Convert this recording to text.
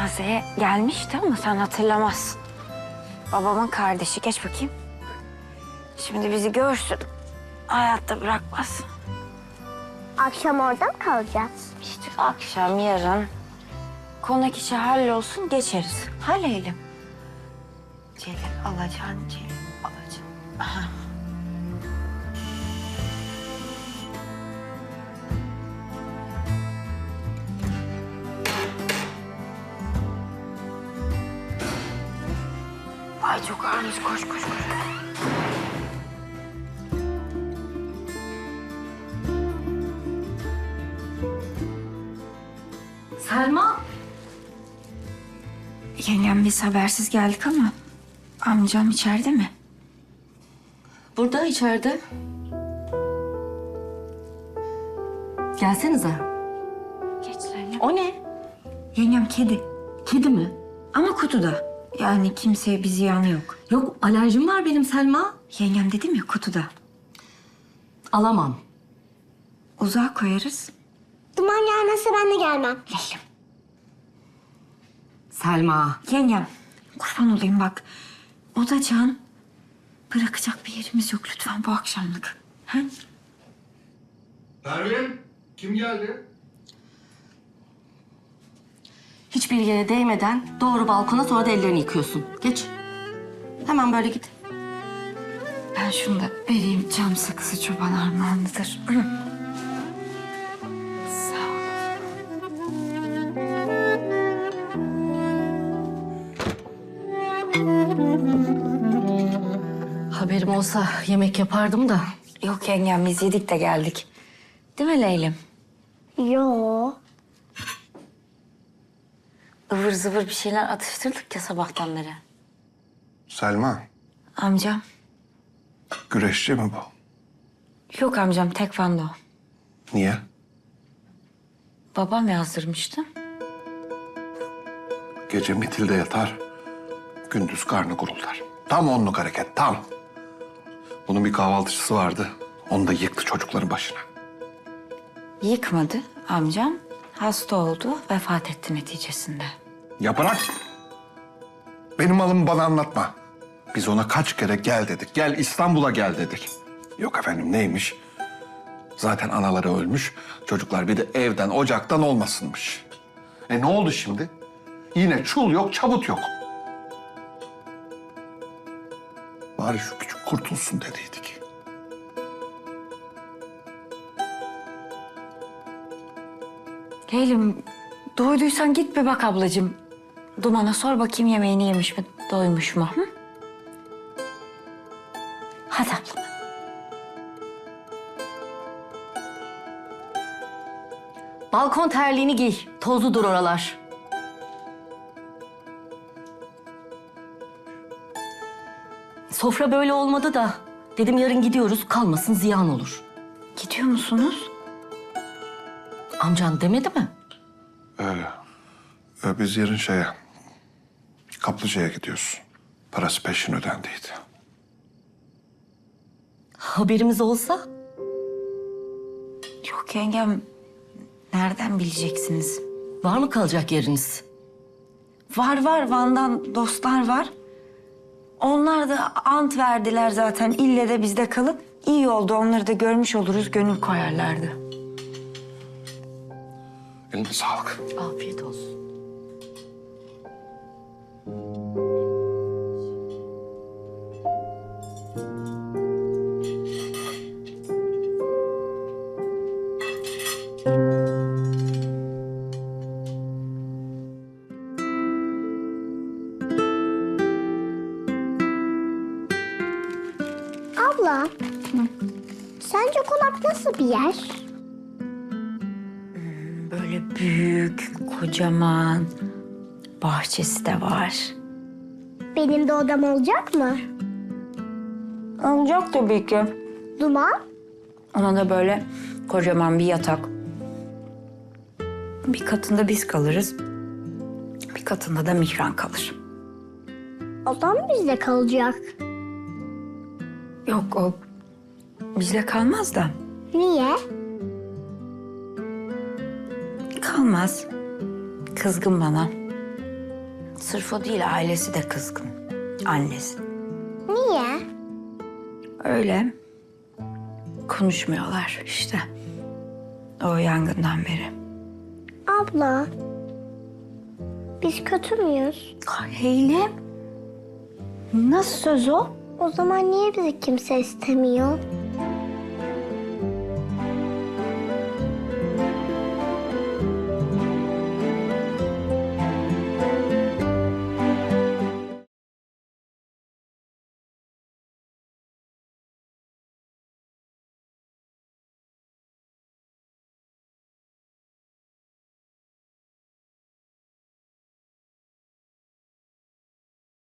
cenazeye gelmişti ama sen hatırlamazsın. Babamın kardeşi. Geç bakayım. Şimdi bizi görsün. Hayatta bırakmaz. Akşam orada mı kalacağız? İşte akşam, yarın konak işi hallolsun, geçeriz. Halleyelim. Celil alacaksın, Celil alacaksın. Aha. Ay çok ağırmış, koş koş koş. Selma. Yengem biz habersiz geldik ama amcam içeride mi? Burada içeride. Gelsenize. Geç Zeynep. O ne? Yengem kedi Kedi mi? ama kutuda. Yani kimseye bir ziyanı yok. Yok, alerjim var benim Selma. Yengem dedim ya kutuda. Alamam. Uzağa koyarız. Duman gelmezse ben de gelmem. Leylim. Selma. Yengem kurban olayım bak. O da can. Bırakacak bir yerimiz yok lütfen bu akşamlık. Ha? Pervin, kim geldi? Hiçbir yere değmeden doğru balkona, sonra da ellerini yıkıyorsun. Geç. Hemen böyle git. Ben şunu da vereyim. Cam sakızı çoban armağanıdır. Sağ ol. Haberim olsa yemek yapardım da. Yok yengem biz yedik de geldik. Değil mi Leylim? Yo. Ivır zıvır bir şeyler atıştırdık ya sabahtan beri. Selma, Amcam. güreşçi mi bu? Yok amcam tekvando. Niye? Babam yazdırmıştı. Gece mitilde yatar, gündüz karnı guruldar. Tam onluk hareket, tam. Bunun bir kahvaltıcısı vardı, onu da yıktı çocukların başına. Yıkmadı amcam. Hasta oldu, vefat etti neticesinde. Ya bırak! Benim malımı bana anlatma. Biz ona kaç kere gel dedik, gel İstanbul'a gel dedik. Yok efendim neymiş? Zaten anaları ölmüş, çocuklar bir de evden, ocaktan olmasınmış. Ne oldu şimdi? Yine çul yok, çabut yok. Bari şu küçük kurtulsun dediydik. Leylim, doyduysan git bir bak ablacığım. Duman'a sor bakayım yemeğini yemiş mi, doymuş mu? Hı? Hadi ablam. Balkon terliğini giy. Tozludur oralar. Sofra böyle olmadı da. Dedim yarın gidiyoruz, kalmasın ziyan olur. Gidiyor musunuz? Amcan demedi mi? Biz yarın Kaplıca'ya gidiyoruz. Parası peşin ödendiydi. Haberimiz olsa? Yok yengem, nereden bileceksiniz? Var mı kalacak yeriniz? Var var, Van'dan dostlar var. Onlar da ant verdiler zaten. İlle de bizde kalın. İyi oldu, onları da görmüş oluruz, gönül koyarlardı. Eline sağlık. Afiyet olsun. Abla. Sence konak nasıl bir yer? Böyle büyük, kocaman, bahçesi de var. Benim de odam olacak mı? Olacak tabii ki. Duman? Ona da böyle kocaman bir yatak. Bir katında biz kalırız. Bir katında da Mihran kalır. Odam bizde kalacak. Yok o bizde kalmaz da. Niye? Kalmaz. Kızgın bana. Sırf o değil, ailesi de kızgın. Annesi. Niye? Öyle. Konuşmuyorlar işte. O yangından beri. Abla, biz kötü müyüz? Heylem. Nasıl söz o? O zaman niye bizi kimse istemiyor?